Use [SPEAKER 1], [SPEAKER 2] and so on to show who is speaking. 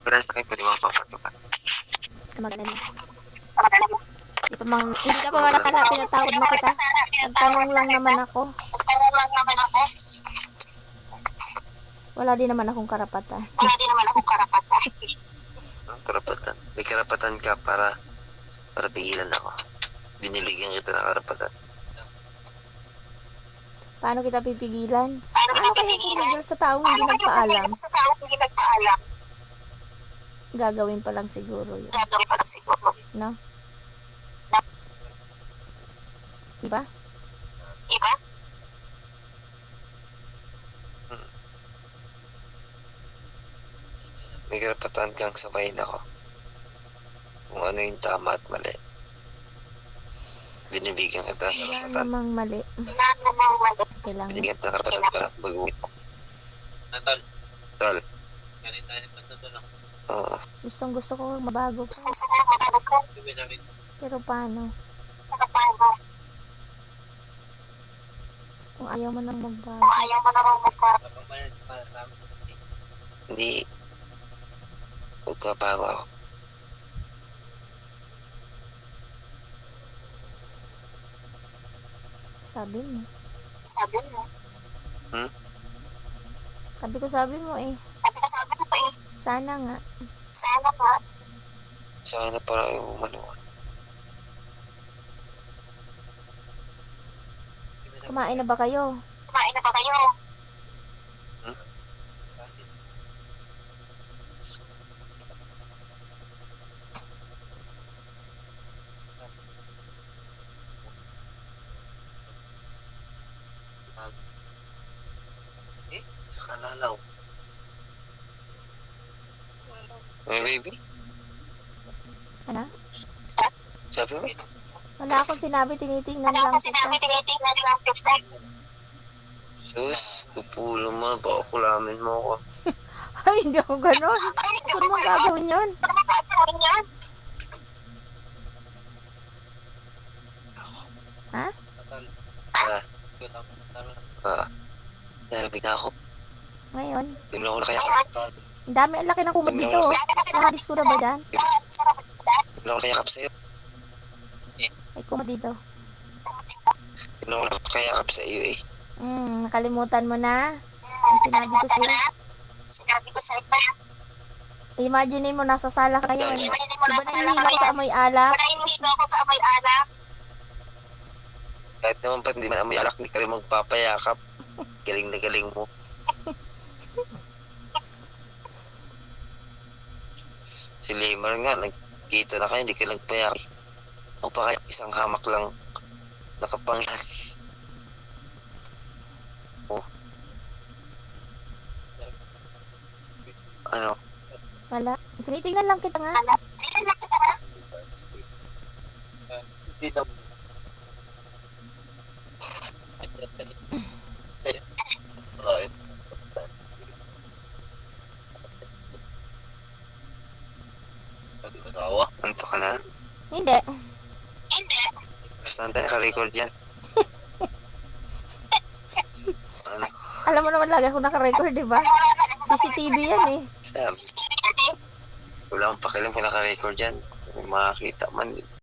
[SPEAKER 1] pala sa akin, pwede mo papatukan.
[SPEAKER 2] Magaling. Hindi ka pa nga nasala, pinatawad na kita. Nagtanong lang naman ako. Wala din naman akong karapatan.
[SPEAKER 1] Ang karapatan. May karapatan ka para pigilan ako. Binibigyan kita ng karapatan.
[SPEAKER 2] Paano kita pipigilan? Paano kaya pumigil sa taong hindi nagpaalam? Gagawin pa lang siguro yun. No? Diba?
[SPEAKER 1] May karapatan kang sabayin ako. Kung ano yung tama at mali. Binibigyan kita ng
[SPEAKER 2] Wala
[SPEAKER 1] karapatan.
[SPEAKER 2] namang mali. Kailangan.
[SPEAKER 1] Binibigyan kita ng karapatan para mag-uwi ko. Tol. Oo.
[SPEAKER 2] Gustong gusto ko mabago ko. Pero paano? Kung ayaw mo nang magbago.
[SPEAKER 1] Hindi. Magpapago ako.
[SPEAKER 2] Sabi mo.
[SPEAKER 1] Hmm?
[SPEAKER 2] Sabi mo eh. Sana nga.
[SPEAKER 1] Sana para yung manuwa.
[SPEAKER 2] Kumain na ba kayo?
[SPEAKER 1] Hmm? Sa kalalaw. Baby?
[SPEAKER 2] Ano?
[SPEAKER 1] Sabi mo?
[SPEAKER 2] Wala akong sinabi, tinitingnan lang kita.
[SPEAKER 1] Sus, pupulo mo. Baka kulamin mo ako.
[SPEAKER 2] Ay, hindi ako ganun. Saan mo gagawin yun? Ha?
[SPEAKER 1] Nalabig na ako.
[SPEAKER 2] Ngayon?
[SPEAKER 1] Bigla ko na kaya.
[SPEAKER 2] Ang dami, ang laki ng kumot dito. Nahadis ko na ba dyan?
[SPEAKER 1] Bigla ko na kayakap sa'yo.
[SPEAKER 2] Ay, kumot dito.
[SPEAKER 1] Bigla ko na kayakap sa iyo eh.
[SPEAKER 2] Nakalimutan mo na. Ang sinabi ko sa'yo. Imagine mo, nasa sala ka ngayon. Diba nahihilo ko sa amoy alak?
[SPEAKER 1] Kahit naman pa hindi man amoy alak, hindi ka rin magpapayakap. Galing na galing mo. Si Lemar nga, nagkita na kayo, hindi ka nagpayakap. O pa kaya isang hamak lang nakapangilan. Oh. Ano?
[SPEAKER 2] Wala. Tinitingnan lang kita nga.
[SPEAKER 1] Hindi na. Anto ka na?
[SPEAKER 2] Hindi.
[SPEAKER 1] Saan tayo naka-record yan? Ano?
[SPEAKER 2] Alam mo naman lagi ako naka-record, di ba? CCTV yan eh.
[SPEAKER 1] Sabi. Wala akong pakialam kung naka-record yan. Kung makakita man.